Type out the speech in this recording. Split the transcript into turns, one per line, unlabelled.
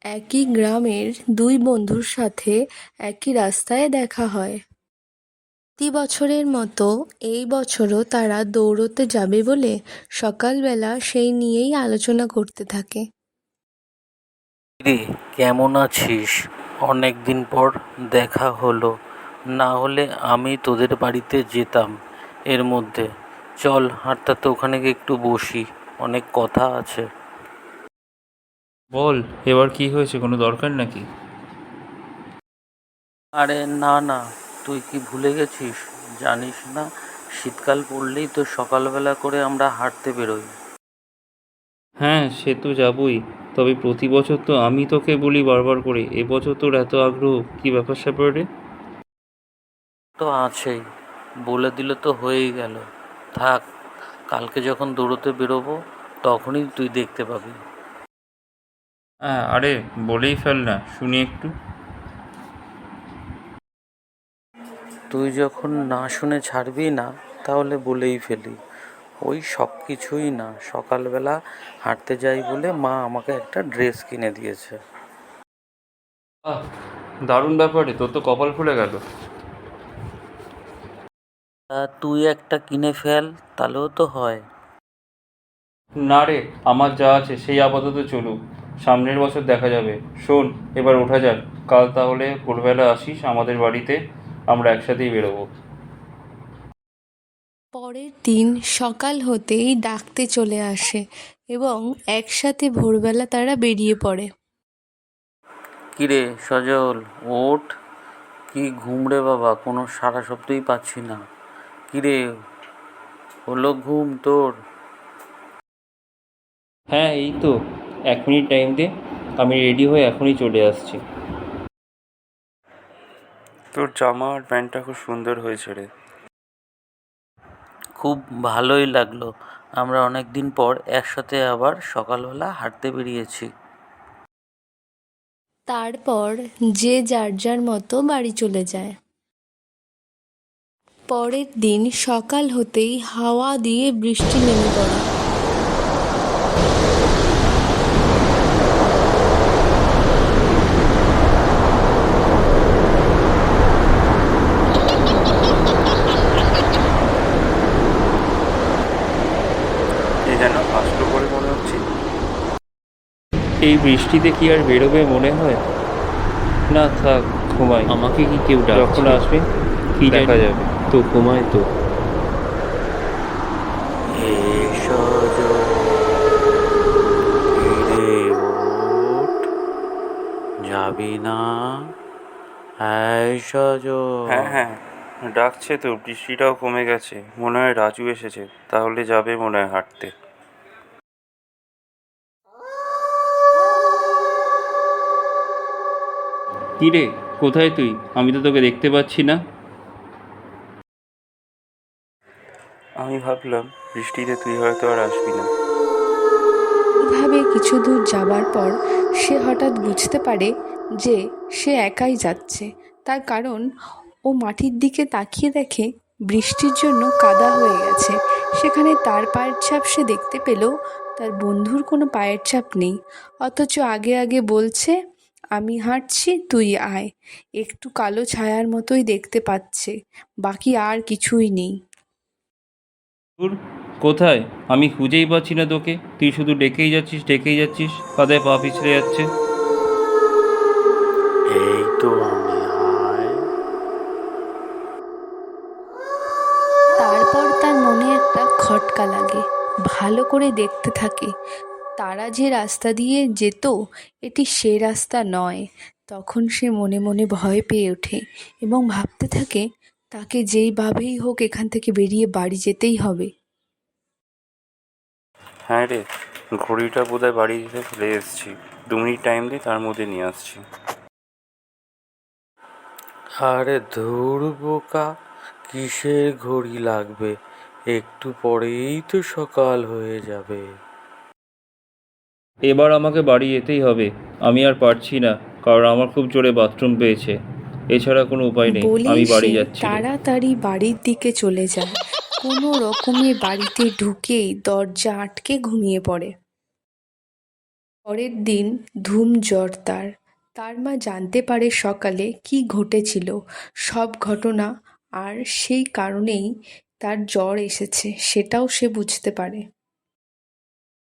একই গ্রামের দুই বন্ধুর সাথে একই রাস্তায় দেখা হয়। প্রতি বছরের মতো এই বছরও তারা দৌড়তে যাবে বলে সকালবেলা সেই নিয়েই আলোচনা করতে থাকে।
রে, কেমন আছিস? অনেক দিন পর দেখা হলো। না হলে আমি তোদের বাড়িতে যেতাম এর মধ্যে। চল হাঁটতে ওখানে গিয়ে একটু বসি, অনেক কথা আছে।
বল, এবার কি হয়েছে? কোনো দরকার নাকি?
আরে না না, তুই কি ভুলে গেছিস? জানিস না, শীতকাল পড়লেই তো সকালবেলা করে আমরা হাঁটতে বেরোই।
হ্যাঁ, সে তো যাবই। তবে প্রতি বছর তো আমি তোকে বলি বারবার করে, এবছর তোর এত আগ্রহ, কি ব্যাপার স্যাপার রে?
তো আছেই, বলে দিলে তো হয়েই গেল। থাক, কালকে যখন দৌড়তে বেরোবো তখনই তুই দেখতে পাবি।
হ্যাঁ, আরে বলেই ফেল না, শুনি একটু।
তুই যখন না শুনে ছাড়বি না, তাহলে বলেই ফেলি। ওই সব কিছুই না, সকালবেলা হাঁটতে যাই বলে মা আমাকে একটা ড্রেস কিনে দিয়েছে।
আহ, দারুণ ব্যাপার রে, তোর তো কপাল খুলে গেল।
তা তুই একটা কিনে ফেল, তাহলেও তো হয়।
না রে, আমার যা আছে সেই আপাতত চলুক, সামনের বছর দেখা যাবে। শোন, এবার ওঠা যাক। কাল তাহলে ভোরবেলা আসিস আমাদের বাড়িতে, আমরা একসাথেই বেরোবো।
পরের দিন সকাল হতেই ডাকতে চলে আসে এবং একসাথে ভোরবেলা তারা বেরিয়ে পড়ে।
কিরে সজল, ওঠ! কি ঘুম রে বাবা, কোনো সারা শব্দই পাচ্ছি না। কিরে, হলো ঘুম তোর?
হ্যাঁ, এই তো 1 মিনিট টাইম দে, আমি রেডি হয়ে এখনই চলে আসছি। তোর জামা আর প্যান্টটা খুব সুন্দর হয়েছে রে।
খুব ভালোই লাগলো। আমরা অনেক দিন পর একসাথে আবার সকালবেলা হাঁটতে বেরিয়েছি।
তারপর যে যার যার মতো বাড়ি চলে যায়। পরের দিন সকাল হতেই হাওয়া দিয়ে বৃষ্টি নেমে পড়ে।
এ যেন আসলো বলে মনে হচ্ছে। এই বৃষ্টিতে কি আর বেরোবে মনে হয়? না থাক, ঘুমাই।
আমাকে কি কেউ
যখন
ডাকছে?
আসবে
কি
দেখা
জানি,
যাবে।
তো ঘুমায় তো।
হে সজল, কিরে ওঠ! যাবি না? হ্যাঁ সজল।
হ্যাঁ হ্যাঁ, ডাকছে তো। বৃষ্টিটাও কমে গেছে, মনে হয় রাজু এসেছে, তাহলে যাবে মনে হয় হাঁটতে। কি রে, কোথায় তুই? আমি তো তোকে দেখতে পাচ্ছি না। আমি ভাবলাম বৃষ্টিতে তুই হয়তো আর আসবি না।
এভাবে কিছু দূর যাবার পর সে হঠাৎ বুঝতে পারে যে সে একাই যাচ্ছে। তার কারণ ও মাটির দিকে তাকিয়ে দেখে বৃষ্টির জন্য কাদা হয়ে গেছে। সেখানে তার পায়ের ছাপ সে দেখতে পেলেও তার বন্ধুর কোনো পায়ের ছাপ নেই। অথচ আগে আগে বলছে, আমি হাঁটছি, তুই আয়। একটু কালো ছায়ার মতোই দেখতে পাচ্ছে, বাকি আর কিছুই নেই।
দূর, কোথায়? আমি খুঁজেই পাচ্ছি না তোকে। তুই শুধু ডেকেই যাচ্ছিস, ডেকেই যাচ্ছিস, কাদায় পা পিছলে যাচ্ছে।
এই তো আমি, আয়।
তারপর তার মনে একটা খটকা লাগে। ভালো করে দেখতে থাকে। তারা যে রাস্তা দিয়ে যেত এটি সে রাস্তা নয়। তখন সে মনে মনে ভয় পেয়ে ওঠে এবং ভাবতে থাকে তাকে যেইভাবেই হোক এখান থেকে বেরিয়ে বাড়ি যেতেই হবে।
হ্যাঁ রে, ঘড়িটা বোধহয় বাড়িতে ফেলে এসেছি। 2 মিনিট টাইম দে, তার মধ্যে নিয়ে আসছি।
আরে ধুর বোকা, কিসের ঘড়ি লাগবে? একটু পরেই তো সকাল হয়ে যাবে।
এবার আমাকে বাড়ি যেতেই হবে। আমি আর পারছি না, কারণ আমার খুব জোরে বাথরুম পেয়েছে। এছাড়া কোনো উপায় নেই,
বলেই
আমি বাড়ি
সে
যাচ্ছি রে।
তাড়াতাড়ি বাড়ির দিকে চলে যায়। কোনো রকমে বাড়িতে ঢুকেই দরজা আটকে ঘুমিয়ে পড়ে। পরের দিন ধুম জ্বর তার। তার মা জানতে পারে সকালে কি ঘটেছিল সব ঘটনা, আর সেই কারণেই তার জ্বর এসেছে সেটাও সে বুঝতে পারে।